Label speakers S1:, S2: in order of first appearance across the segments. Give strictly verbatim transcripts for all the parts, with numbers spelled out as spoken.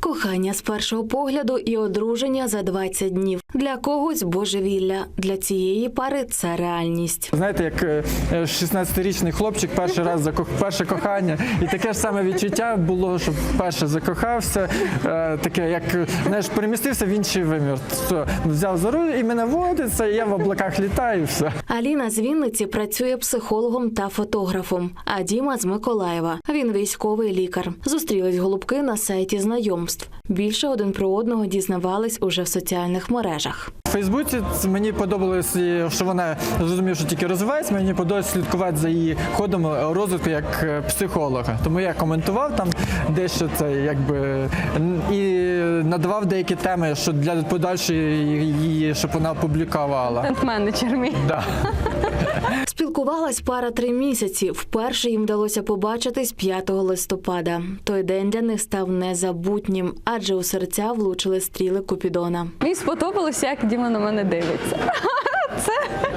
S1: Кохання з першого погляду і одруження за двадцять днів. Для когось божевілля, для цієї пари це реальність.
S2: Знаєте, як шістнадцятирічний хлопчик перший раз закох... перше кохання, і таке ж саме відчуття було, що вперше закохався, таке як, знаєш, перемістився в інший вимір. Все, взяв за руль і мене водиться, і я в облаках літаю, і все.
S1: Аліна з Вінниці працює психологом та фотографом, а Діма з Миколаєва. Він військовий лікар. Зустрілись голубки на сайті знайомств. Більше один про одного дізнавались уже в соціальних мережах.
S2: В Фейсбуці мені подобалось, що вона, зрозумів, що тільки розвивається, мені подобалось слідкувати за її ходом розвитку як психолога. Тому я коментував там дещо це, якби, і надавав деякі теми, що для подальшої її, щоб вона опублікувала.
S3: Контент-менеджер мій.
S2: Да.
S1: Спілкувалась пара три місяці. Вперше їм вдалося побачитись п'ятого листопада. Той день для них став незабутнім, адже у серця влучили стріли Купідона.
S3: Мені сподобалося, як Діма на мене дивиться. Це...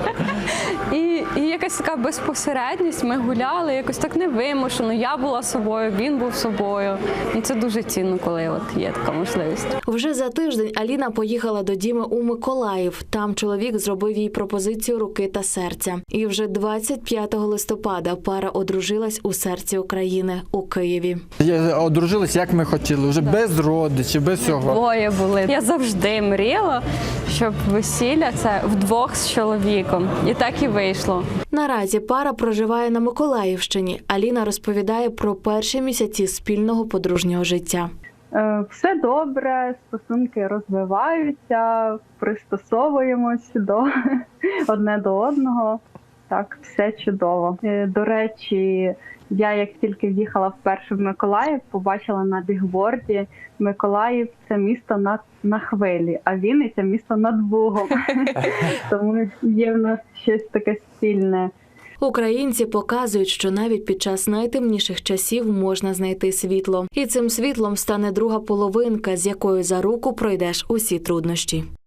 S3: І, і якась така безпосередність, ми гуляли, якось так невимушено. Я була собою, він був собою. І це дуже цінно, коли от є така можливість.
S1: Вже за тиждень Аліна поїхала до Діми у Миколаїв. Там чоловік зробив їй пропозицію руки та серця. І вже двадцять п'ятого листопада пара одружилась у серці України, у Києві.
S2: Одружились, як ми хотіли, вже без родичів, без всього.
S3: Двоє були. Я завжди мріяла, щоб весілля – це вдвох з чоловіком. І так і вийшло.
S1: Наразі пара проживає на Миколаївщині. Аліна розповідає про перші місяці спільного подружнього життя.
S4: Все добре, стосунки розвиваються, пристосовуємось до одне до одного. Так, все чудово. До речі, я як тільки в'їхала вперше в Миколаїв, побачила на бігборді: Миколаїв – це місто на, на хвилі, а Вінниця – місто над Бугом. Тому є в нас щось таке спільне.
S1: Українці показують, що навіть під час найтемніших часів можна знайти світло. І цим світлом стане друга половинка, з якою за руку пройдеш усі труднощі.